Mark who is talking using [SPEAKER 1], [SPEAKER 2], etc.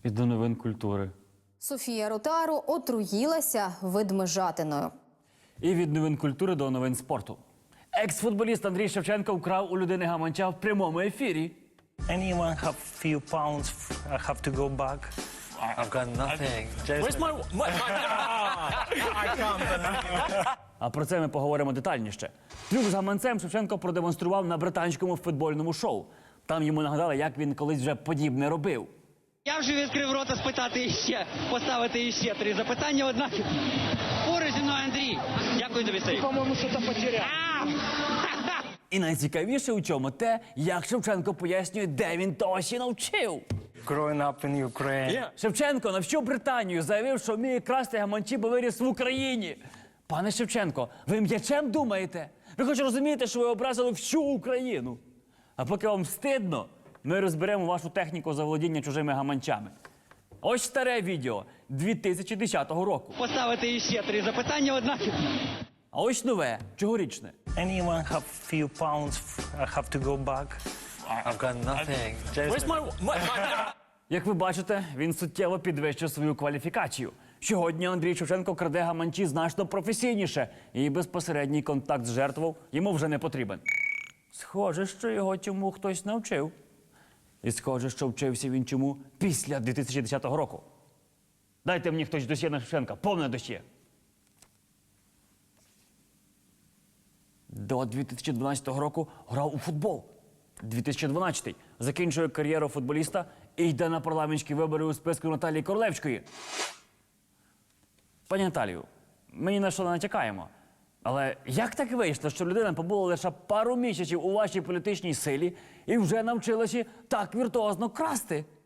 [SPEAKER 1] І до новин культури.
[SPEAKER 2] Софія Ротару отруїлася ведмежатиною.
[SPEAKER 1] І від новин культури до новин спорту. Екс-футболіст Андрій Шевченко вкрав у людини гаманця в прямому ефірі.
[SPEAKER 3] Anyone have few pounds I have to go back? I've got nothing.
[SPEAKER 4] Where's my
[SPEAKER 3] I can't.
[SPEAKER 1] А про це ми поговоримо детальніше. Трюк з гаманцем Шевченко продемонстрував на британському футбольному шоу. Там йому нагадали, як він колись вже подібне робив.
[SPEAKER 5] Я вже відкрив рота спитати іще, поставити іще 3 запитання, однак поруч зі мною Андрій. Дякую тобі, Сергій.
[SPEAKER 3] По-моему, что-то потерял.
[SPEAKER 1] І найцікавіше у чому те, як Шевченко пояснює, де він того ще навчив.
[SPEAKER 3] Growing up in Ukraine.
[SPEAKER 1] Шевченко навчив Британію, заявив, що вміє красти гаманці, бо виріс в Україні. Пане Шевченко, ви м'ячем думаєте? Ви хоч розумієте, що ви образили всю Україну? А поки вам стидно, ми розберемо вашу техніку заволодіння чужими гаманцями. Ось старе відео 2010 року.
[SPEAKER 5] Поставити іще 3 запитання, однак
[SPEAKER 1] А ось нове, цьогорічне.
[SPEAKER 3] Anyone have few pounds I have to go back? I've got nothing.
[SPEAKER 4] Where's my
[SPEAKER 1] Як ви бачите, він суттєво підвищив свою кваліфікацію. Сьогодні Андрій Шевченко краде гаманці значно професійніше, і безпосередній контакт з жертвою йому вже не потрібен. Схоже, що його цьому хтось навчив. І схоже, що вчився він чому після 2010 року. Дайте мені хтось досьє на Шевченка, повне досьє. До 2012 року грав у футбол. 2012 закінчує кар'єру футболіста і йде на парламентські вибори у списку Наталії Королевської. Пані Наталію, ми ні на що не натякаємо. Але як так вийшло, що людина побула лише пару місяців у вашій політичній силі і вже навчилася так віртуозно красти?